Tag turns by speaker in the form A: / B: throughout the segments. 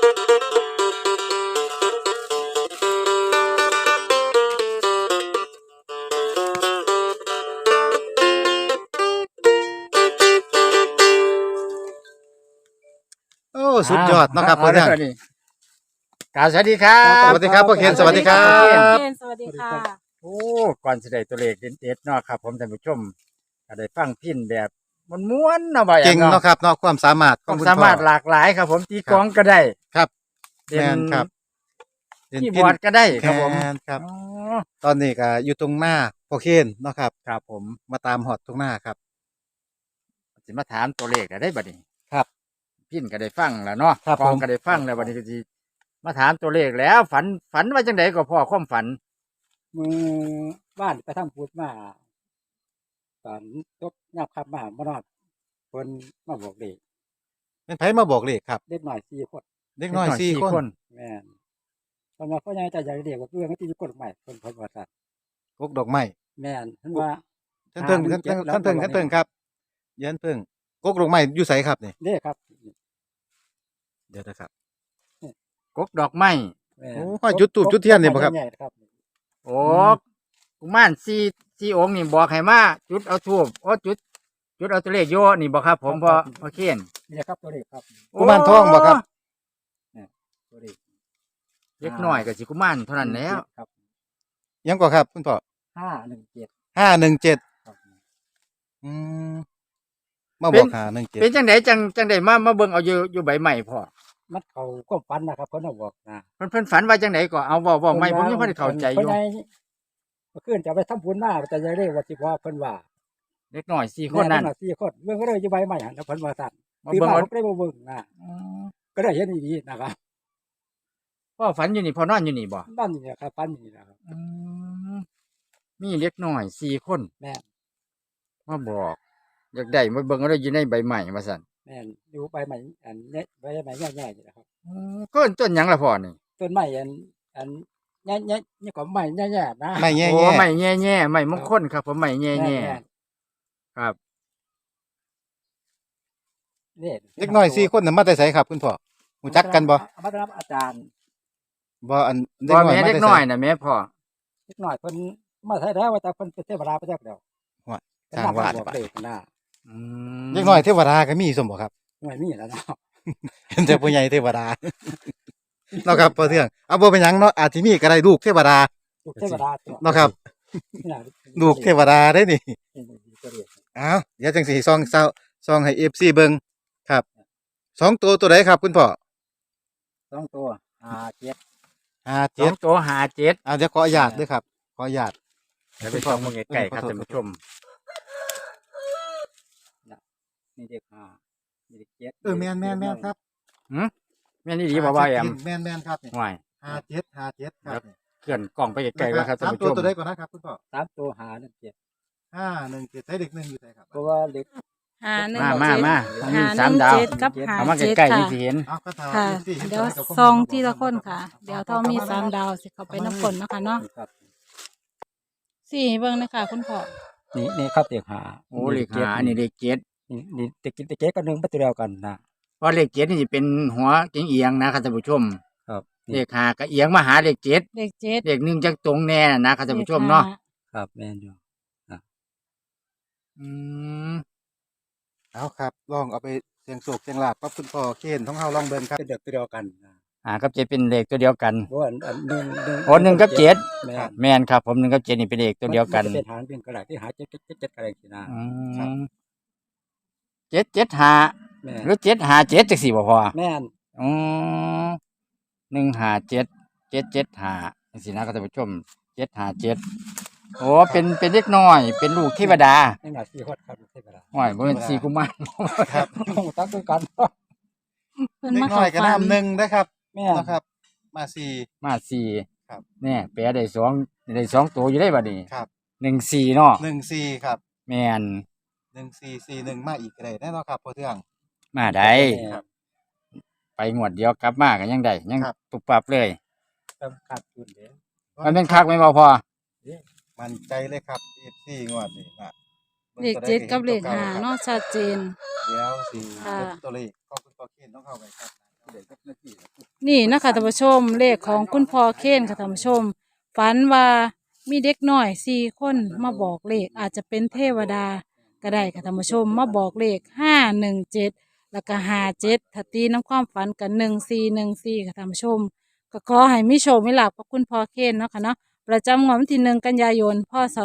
A: โอ้สุดยอดเนาะครับพ่อเทือง
B: นี่กราบสวัสดีครับ
A: สวัสดีครับพ่อเคนสวัสดีครับ
C: สวัสดีค่ะ
B: โอ้ก่อนสิได้ตัวเลขเด็ดๆเนาะครับผมท่านผู้ชมก็ได้ฟังพินแบบม้วนๆเนาะบ่อย
A: เก่งเนาะครับเนาะความสามารถ
B: ความ
A: คุณ
B: สามารถ
A: พ่อ
B: หลากหลายครับผมตีกลองก็ได้
A: ครับ
B: เล่
A: แม่
B: น
A: นครับเล่น
B: คีย์บ
A: พิ
B: อร์ด
A: ณ
B: ก็ได้ครับผม
A: แม่นครับ
B: อ๋อ
A: ตอนนี้ก็อยู่ตรงหน้าพ่อเคนเนาะครับ
B: ครับผม
A: มาตามฮอดตรงหน้าครับ
B: สิมาถามตัวเลขได้บัดนี้
A: ครับ
B: พินก็ได้ฟังแล้วเนาะ
A: ครับ
B: กลอง
A: ผม
B: ก็ได้ฟังแล้วบัดนี้ก็สิมาถามตัวเลขแล้ว ฝันว่าจังไดก็พ่อความฝัน
D: มือบ้านไปทำพูดมาตอนตกยับขับมาบ่นอดเพิ่นมาบอกเด็ก
A: เป็นไผมาบอกเลขครับ
D: เด็กหน่อย4 คน
A: เด็กน้อยสี่คน
D: แม่นเพิ่นว่าพ่อใหญ่แต่ใหญ่เด็กว่าเพื่อนก็ที่คนใหม่เพิ่นว่าซั่น
A: กกดอกไม้
D: แม่นเพิ่นว่า
A: ท่านเพิ่งท่านเพิ่งท่านเพิ่งท่านเพิ่งครับเยันเพิ่งกกดอกไม้อยู่ไสครับนี่
D: เด้ครับ
A: เดี๋ยวนะครับ
B: กกดอกไม้
D: แม่น
A: โอ้ห้อยจุดธูปจุดเทียนนี่บ่ครับ
D: ใหญ่ๆครับ
B: โอ้กุมารสี่องค์นี่บอกให้มาจุดเอาทูบจุดเอาตัวเลขโยนี่บอกครับผมพอเขียน
D: นี่ครับตัวเด็กครับ
A: กุมารทองบ่ครับ
D: ตัวเด็ก
B: เล็กน้อยกับสิกุมารเท่านั้นแล้ว
D: ครับ
A: ยังกว่าครับคุณพ่อ
D: 517
A: 517
D: ครับ
A: อืมมาบอก517
B: เป็นจังไดจังไดมาเบิ่งเอาอยู่ใบใหม่พ่อ
D: มันเข้าความฝันนะครับเพิ่นเอาบอกนะ
B: เพิ่นฝันว่าจังไดก็เอาเว้าไม่ผมยังบ่ได้เข้าใจอยู่
D: เพิ่นให้เมื่อคืนจะไปทำบุญมาแต่ใหญ่เด้ว่าสิว่าเพิ่นว่า
B: เล็กน้อย4คนนั้น
D: แม่เพิ่4 คนเบิ่งก็เลยอยู่ใบใหม่หั่นแล้วเพิ่นว่าซั่น
B: มา
D: ตื่น
B: เบิ่ง
D: มา
B: เอา
D: ผมก็ได้มาเบิ่งนะก็ได้เห็นดีๆนะครับ
B: พ่อฝันอยู่นี่พ่อนอนอยู่นี่บ่
D: บ้านนี่นะครับปันนี่นะครับ
B: มีเล็กน้อย4คน
D: แม่น
B: มาบอกอยากได้มาเบิ่งเอาได้อยู่ในใบใหม่ว่าซั่น
D: แม่นอยู่ใบใหม่อันเนี่ยใบใหม่แย่ๆนี่นะครับ
B: ก็ต้นหยังล่ะพ่อนี่
D: ต้นไม้อันแย่ๆนี่ก็ไม้แย่ๆนะ
A: ไม่แย่
B: โอ้
A: แย่
B: ไม่แง่ๆไม่มงคลครับผมไม่แง่
D: ม่น
B: ๆครับ
D: นี่
A: เด็กน้อย4คนน่ะมาแต่ไสครับคุณพ่อรู้จักกันบ่
D: เอามารับอาจารย์
A: บ่อัน
B: พ่อแม่
A: มา
B: เด็ก
A: แต่ไส
B: น้อยนะแม่พ่อ
D: เล็กน้อยเพิ่นมาใช้แล้วว่าแต่เพิ่นเป็นเทวดาไปแล้วเดียว
A: ว่าสร้างวาด
D: บอกเด็กนะ
A: เด็กน้อยเทวดาก็มีสมบ่ครับ
D: ไม่มีแล้วเนาะ
A: เห็นแต่ผู้ใหญ่เทวดา เนาะครับพ่อเทืองเอาบ่เป็นหยังเนาะอาจสิมีก็ได้ลูกเทวดา
D: ลูกเทวดาตัว
A: เนาะครับ ลูกเทวดาได้นี่อ้าวเดี๋ยวจังสิซองให้ FC เบิ่งครับ2ตัวใดครับคุณพ่อ
D: 2 ตัว7
A: 57
B: ตัวหาเจ็ด
A: เดี๋ยวขออนุญาตด้วยครับ ขออนุญาต
B: เดี๋ยวไปส่องมึงไก่ครับท่านผู้ชม
D: นี่เด็ก5นี่เด็ก7
A: แม่นครับ
B: แม่นี่ดีบ่าวแอม
A: แม่นครับนี่
B: ห่วย
A: 57ครับ
B: เคลื่อนกล่องไปไกลๆแล้วครับท่าน
A: 3
B: ผู้
A: ตัว
B: ชม
A: ใดก่อนนะครับคุณพ่อ
D: 3 ตัว5 1 7
A: 517ใช้เด็ก1อยู่ไสครับ
D: เพราะว่าเด็ก
B: มามีสามดาว
C: 517กับ
B: เอามา
C: 57
B: ใกล้ๆ
C: ค่ะ
B: นี่สิเห็น
A: เอาก็ถาม
C: ค่ะ
A: FC เห็น
C: เดี๋ยว
A: ตัวใกับ
C: ซองทีละคนค่ะ เดี๋ยวเท่ามี3ดาวสิเข้าไปน้ำฝนเนาะคะเนาะ
D: ครับ
C: สี่เบิ่งนะคะคุณพ่อ
D: นี่ครับเด็ก5
B: โอ้เลขหาอันนี้เลขเจ็ด
D: นี่เด็กเจ๊ก็1ประตูเดียวกันนะ
B: เพราะเลขเจ็ดนี่จะเป็นหัวเอียงๆนะครับท่านผู้ชม
D: ครับ
B: เลขหาก็เอียงมาหาเลขเจ็ด
C: เลข7
B: เลขหนึ่งจังตรงแน่นะครับท่านผู้ชมเนาะ
D: ครับแม่นอยู่
B: อืม
A: เอาครับลองเอาไปเสียงโศกเสียงลาบกับคุณพ่อเคนของเฮาลองเบิ่งครับ
D: เป็นเด็กตัวเดียวกันนะ
B: หากับเจ็ดเป็นเลขตัวเดียวกัน
D: เพราะว่าอันหนึ่ง
B: โอ้หนึ่งกับเจ็ด
D: แม่น
B: แม่นครับผมหนึ่งกับเจ็ดนี่เป็นเลขตัวเดียวกัน
D: มัจะเป็นหางเป็นกระดาษที่หาเจ็ดกระดาษสินะ
B: 775
D: แม่น
B: หรือ757จังสี่บ่พอ
D: แม่น
B: อืม157 775จังสี่นะครับท่านผู้ชม757โอ้เป็นเด็กน้อย เป็นลูกเทวดา
D: นี่หน่อย4 คนครับเทวดา
B: ห้อยบ่เป็นสี่กุมาร
A: ครับ
D: ตั้งคือกัน
C: เพิ่น
A: เด็ก
C: มา
A: น้
C: เข้า
A: อยก็
C: ฝัน
A: น้ำ1นะครับ
D: แม่น
A: นะครับ มา4
B: มาสี่
A: ครับ
B: เนี่ยแปลได้สองตัวอยู่ได้บัดนี้
A: ครับ
B: 14เนาะ
A: 14ครับ
B: แม่น
A: 1441มาอีกก็ได้แน่นอนครับพ่อเทือง
B: มาได้
A: ครับ
B: ไปงวดเดียวกลับมาก็ยังได้ยัง
A: ครับ
B: ปุบปับเลย
D: ต้องขาดทุนเด้อ
B: มันเป็นคักไหมบ่พอ
A: มั่นใจเลยครับ FC งวดนี้นะ
C: เลข7กับเลข5เนาะชัดเจน
A: เดี๋ยวสิ
C: ค่ะ
A: ลดตัวเลขของคุณพ่อเคนต้องเข้าไปครับ
C: นี่นะคะท่านผู้ชมเลขของคุณพ่อเคนค่ะท่านผู้ชมฝันว่ามีเด็กน้อย4 คนมาบอกเลขอาจจะเป็นเทวดาก็ได้ค่ะท่านผู้ชมมาบอกเลข517แล้วก็57ถ้าตีน้ำความฝันกัน1414ค่ะท่านผู้ชมก็ขอให้มีโชคมีลาภกับคุณพ่อเคนเนาะค่ะเนาะประจำงวดวันที่1 กันยายนพศ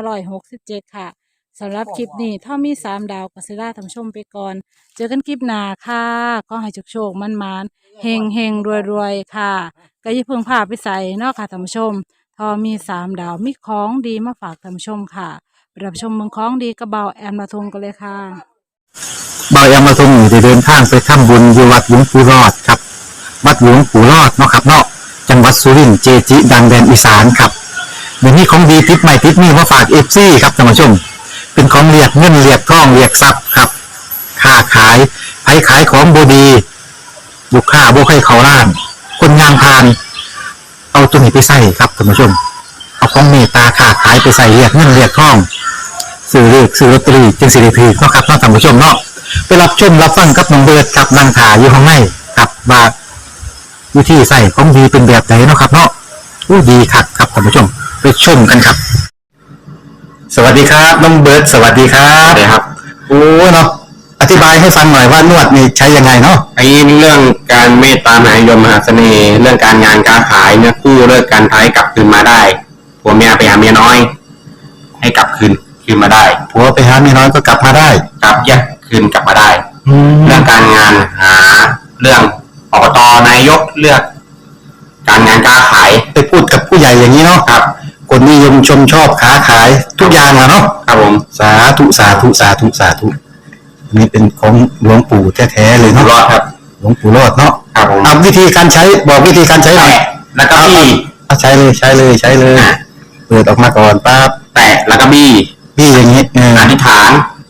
C: 2567ค่ะสำหรับคลิปนี้ถ้ามี3 ดาวกัสซิล่าท่านผู้ชมไปก่อนเจอกันคลิปหน้าค่ะก็ให้โชคๆมันๆ เฮงรวยค่ะก็อย่าเพิ่งพาไปใส่เนาะค่ะท่านผู้ชมทอมี3 ดาวมีของดีมาฝากท่านผู้ชมค่ะไปรับชมเมืองของดีกระเบาแอมละทงกันเลยค่ะ
E: บายามาทรงอยู่ได้เดินทางไปทำบุญอยู่วัดหลวงปู่รอดครับวัดหลวงปู่รอดเนาะครับเนาะจังหวัดสุรินทร์เจจิดังแดนอีสานครับเดี๋ยวนี้ของดีติดใหม่ติดนี่มาฝากเอฟซีครับท่านผู้ชมเป็นของเรียกเงินเรียกทองเรียกทรัพย์ครับค้าขายไผขายของบดีบุกค้าบุกให้เขาล้าน คนงานพาน เอาตัวนี้ไปใส่ครับท่านผู้ชมเอาของเมตตาค้าขายไปใส่เรียกเงินเรียกทองซื้อเลขซื้อลอตเตอรี่จึงสิริพีเนาะครับเนาะท่านผู้ชมเนาะไปรับชมรับฟังกับน้องเบิร์ดครับนางถาอยู่ข้างในครับว่าวิธีใส่ของดีเป็นแบบไหนเนาะครับเนาะอู้ดีครับครับท่านผู้ชมไปชมกันครับ สวัสดีครับน้องเบิร์ดสวัสดีครับสวัสดีครับโอ้เนาะอธิบายให้ฟังหน่อยว่านวดนี่ใช้ยังไงเนาะ
F: ไอ้เรื่องการเมตตามหานิยมมหาเสน่ห์ เรื่องการงานการขายเนี่ยคู่เลิกการท้ายกลับคืนมาได้ผัวเมียไปหาเมียน้อย ให้กลับคืนมาได้
E: ผัวไปหาเมียน้อยก็กลับมาได้
F: กลับแยกคืนกลับมาได้เรื่องการงานหาเรื่องอบตนายกเลือก การงานการขาย
E: ไปพูดกับผู้ใหญ่อย่างนี้เนาะ
F: ครับ
E: คนนิยมชมชอบค้าขายทุกอย่างอะเนาะ
F: ครับผม
E: สาธุสาธุสาธุสาธุนี่เป็นของหลวงปู่แท้ๆเลย
F: ร
E: เนาะ
F: อดครับ
E: หลวงปู่รอดเนาะ
F: ครับผม
E: เอาวิธีการใช้บอกวิธีการใช้หน่อย
F: แตะแล้วก็บี้
E: เอาใช้เลยใช้เลยใช้เลยเปิดออกมาก่อนปั๊บ
F: แตะแล้วก็บี้
E: พี่อย่างนี้
F: อธิษฐาน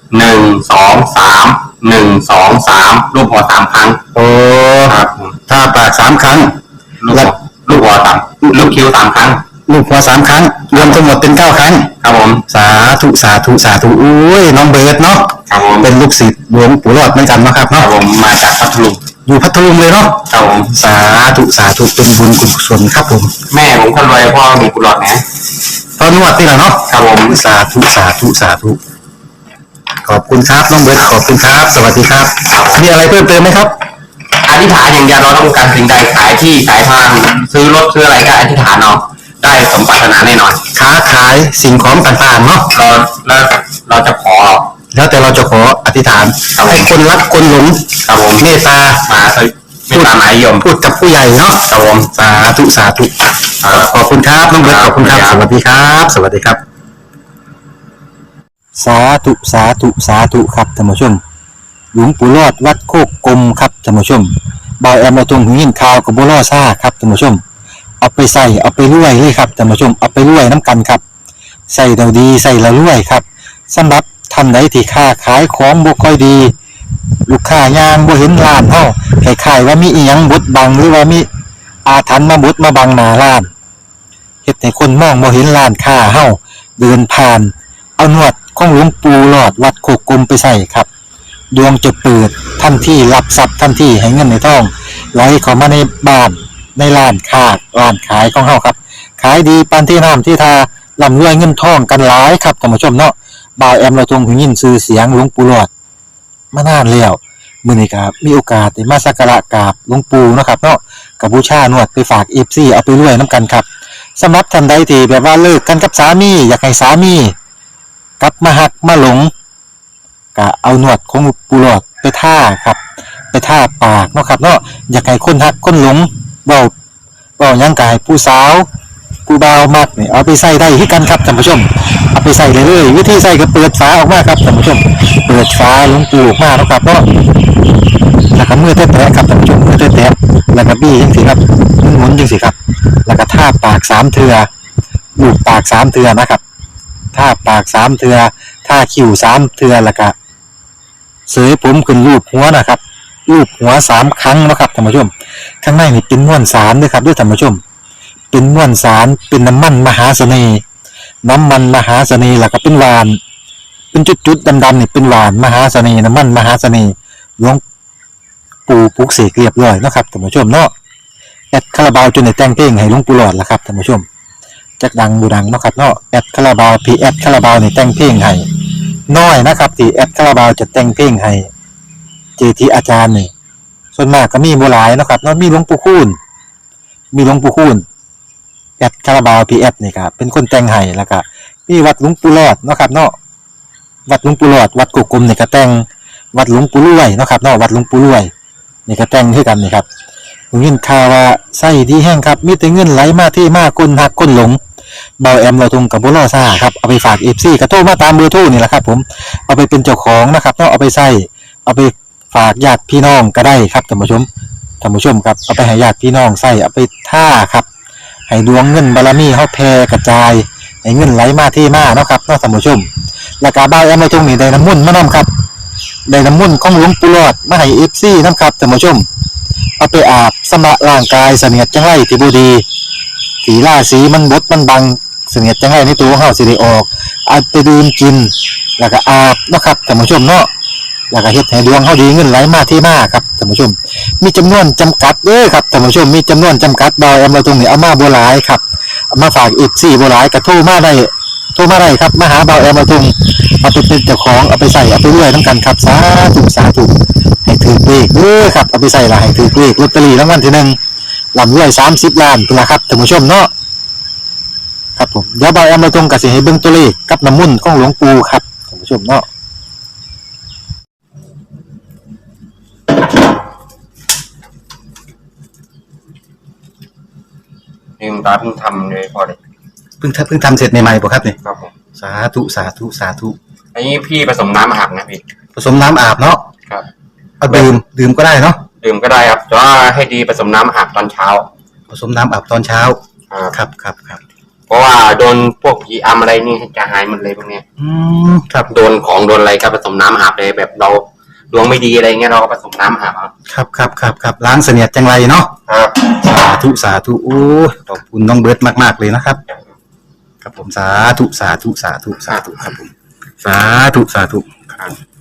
F: 1 2 3 1 2 3รูปหัว3 ครั้ง
E: โอ้
F: ครับผม
E: ถ้าปาก3 ครั้ง
F: ลูกหัวลูกคิ้ว3 ครั้ง
E: ลูกหัว3 ครั้ง รวมทั้งหมดเป็น9 ครั้ง
F: ครับผม
E: สาธุสาธุสาธุอุ้ยน้องเบิร์ดเนาะ
F: ครับผม
E: เป็นลูกศิษย์หลวงปู่รอดเหมือนกันเนาะครับ
F: ครั
E: เนาะ
F: บผมมาจากพัทลุง
E: อยู่พัทลุงเลยเนาะ
F: ครับผม
E: สาธุสาธุเป็นบุญกุศลครับผม
F: แม่ผมคนรวยพ่อมีกุหลาบนะ
E: ตอนนวดนี่แหละเนาะ
F: ครับผม
E: สาธุสาธุสาธุขอบคุณครับน้องเบิร์ดขอบคุณครับ สวัสดีครับมีอะไรเพิ่มเติมไหมครับ
F: อธิษฐานอย่างเดียวเราต้องการสิ่งใดขายที่ขายทางซื้อรถซื้ออะไรก็อธิษฐานเอาได้สมปรารถนาแน่นอน
E: ค้าขายสิ่งของต่างๆเนาะ
F: เราจะขอ
E: แล้วแต่เราจะขออธิษฐานให้คนรักคนหลง
F: ครับผม
E: เมตตา
F: มาไม่ตามหมายยม
E: พูดกับผู้ใหญ่เนาะ
F: ครับผม
E: สาธุสาธุขอบคุณครับน้องเบิร์ตขอบคุณครับ สวัสดีครับ สวัสดีครับ สาธุสาธุสาธุครับท่านผู้ชมหลวงปู่รอดวัดโคกกลมครับท่านผู้ชมบอยแอมมาตรงหิ้งข่าวกับบัวล่อซ่าครับท่านผู้ชมเอาไปใส่เอาไปรวยเลยครับท่านผู้ชมเอาไปรวยน้ำกันครับใส่เราดีใส่เรารวยครับสำหรับท่านใดที่ค้าขายของบ่ค่อยดี ลูกค้ายางบ่เห็นร้านเฮาคล้ายๆว่ามีอีหยังบดบังหรือว่ามีอาถรรพ์มาบดมาบังหน้าร้านเฮ็ดให้คนมองบ่เห็นร้านค้าเฮาเดินผ่านเอาหนวดของหลวงปู่หลอดวัดโคกกลมไปใส่ครับดวงจะเปิดทันทีรับทรัพย์ทันทีให้เงินในท้องไหลเข้ามาในบ้านในร้านค้าร้านขายของเฮาครับขายดีปานที่น้ำที่ทาร่ำรวยเงินทองกันหลายครับท่านผู้ชมเนาะบ่าวแอมเราทรงหูยินชื่อเสียงหลวงปู่หลอดมานานแล้วมื้อนี้ครับมีโอกาสได้มาสักการะกราบหลวงปู่เนาะครับเนาะกับบูชานวดไปฝาก FC เอาไปรวยนํกันครับสำหรับท่านใดที่แบบว่าเลิกกันกับสามีอยากให้สามีกลับมาหักมาหลงก็เอาหนวดของปู่หลอดไปท่าครับไปท่าปากเนาะครับเนาะอยากให้คนหักคนหลงเว้าหยังก็ให้ผู้สาวผู้บ่าวมักนี่เอาไปใส่ได้คือกันครับท่านผู้ชมเอาไปใส่เลยวิธีใส่ก็เปิดฝาออกมาครับท่านผู้ชมเปิดฝาหลวงปู่ออกมาเนาะครับเนาะแล้วก็มือแตะๆครับท่านผู้ชมมือแตะๆแล้วก็บี้จังซี่ครับหมุนจังซี่ครับแล้วก็ท่าปาก3เทื่อลูบปาก3เทื่อนะครับท่าปาก3เทื่อท่าคิ้ว3เทื่อแล้วก็เสยผมขึ้นรูปหัวนะครับรูปหัว3ครั้งเนาะครับท่านผู้ชมข้างในนี่เป็นม้วนสารด้วยครับด้วยท่านผู้ชมเป็นม้วนสารเป็นน้ำมันมหาเสน่ห์น้ำมันมหาเสน่ห์แล้วก็เป็นหวานเป็นจุดๆดำๆนี่เป็นหวานมหาเสน่ห์น้ำมันมหาเสน่ห์หลวงปู่ปลุกเสกเรียบร้อยเนาะครับท่านผู้ชมเนาะแอดคาราบาวจนได้แต่งเพลงให้หลวงปู่หลอดละครับท่านผู้ชมจักดังบูดังเนาะครับเนาะแอดคาราบาวพีแอดคาราบาวนี่แต่งเพลงให้น้อยนะครับที่แอดคาราบาวจะแต่งเพลงให้เจทีอาจารย์นี่ส่วนมากก็มีบ่หลายเนาะครับเนาะมีหลวงปู่คูณแอดคาราบาวพีแอดนี่ครับเป็นคนแต่งให้แล้วก็มีวัดหลวงปู่หลอดเนาะครับเนาะวัดหลวงปู่หลอดวัดกุกกลมนี่ก็แต่งวัดหลวงปู่รวยเนาะครับเนาะวัดหลวงปู่รวยนี่ก็แต่งคือกันนี่ครับผมยินข่าวว่าไส้ดีแห้งครับมีแต่เงินไหลมาที่มาคนหักคนหลงเบาแอมเราทงกับบุรอซ่าครับเอาไปฝากเอฟซีกระโทรมาตามเบอร์โทรนี่แหละครับผมเอาไปเป็นเจ้าของนะครับเนาะเอาไปใส่เอาไปฝากญาติพี่น้องก็ได้ครับท่านผู้ชมครับเอาไปให้ญาติพี่น้องใส่เอาไปท่าครับให้ดวงเงินบารมีเฮาแผ่กระจายให้เงินไหลมาที่มาเนาะครับเนาะท่านผู้ชมแล้วก็เบาแอมเราทงนี่ได้น้ำมนต์มานํครับได้น้ำมนต์ของหลวงปู่หลอดมาให้เอฟซีนํครับท่านผู้ชมเอาไปอาบสำระร่างกายเสนียดจังไรที่บ่ดีสีล่าสีมันบดมันบังเสนียดจังไรในตัวของเฮาสิได้ออกเอาไปดื่มกินแล้วก็อาบเนาะครับท่านผู้ชมเนาะแล้วก็เฮ็ดให้ดวงเฮาดีเงินไหลมาที่มาครับท่านผู้ชมมีจำนวนจำกัดเด้อครับท่านผู้ชมมีจำนวนจำกัดดอยเราตรงนี้เอามาบ่หลายครับเอามาฝากอีก4บ่หลายก็โทรมาได้ครับมาหาเบาแอมเราตรงเอาไปเป็นเจ้าของเอาไปใส่เอาไปรวยนํกันครับสาธุให้ถือเลขเด้อครับเอาไปใส่ละให้ถือเลขลอตเตอรี่รางวัลที่1ลำรวย30 ล้านพุ่นล่ะครับท่านผู้ชมเนาะครับผมเดี๋ยวเบาแอมเราตรงก็สิให้เบิ่งตัวเลขกับน้ำมนต์ของหลวงปู่ครับท่านผู้ชมเนาะ
F: นี่คุณตาเพิ่งทำเลยพอเลย
E: เพิ่งทำเสร็จใหม่ๆป่ะครับเนี่ย
F: ครับผม
E: สาธุ
F: อันนี้พี่ผสมน้ำอาบนะพี่
E: ผสมน้ำอาบเนาะ
F: ครับ
E: เอาดื่มก็ได้เนาะ
F: ดื่มก็ได้ครับแต่ว่าให้ดีผสมน้ำอาบตอนเช้า
E: ผสมน้ำอาบตอนเช้า
F: ครับ
E: ครับ
F: เพราะว่าโดนพวกผีอำอะไรนี่จะหายหมดเลยพวกเนี้ย
E: ครับ
F: โดนของโดนอะไรก็ผสมน้ำอาบเลยแบบเราดวงไม่ดีอะไรเงี้ยเราก็ผสมน้ำอาบ
E: ครับล้างเสนียดจังไรเนาะ
F: ครับ
E: สาธุโอ้ขอบคุณน้องเบิร์ตมากๆเลยนะครับครับผมสาธุครับผมสาธุ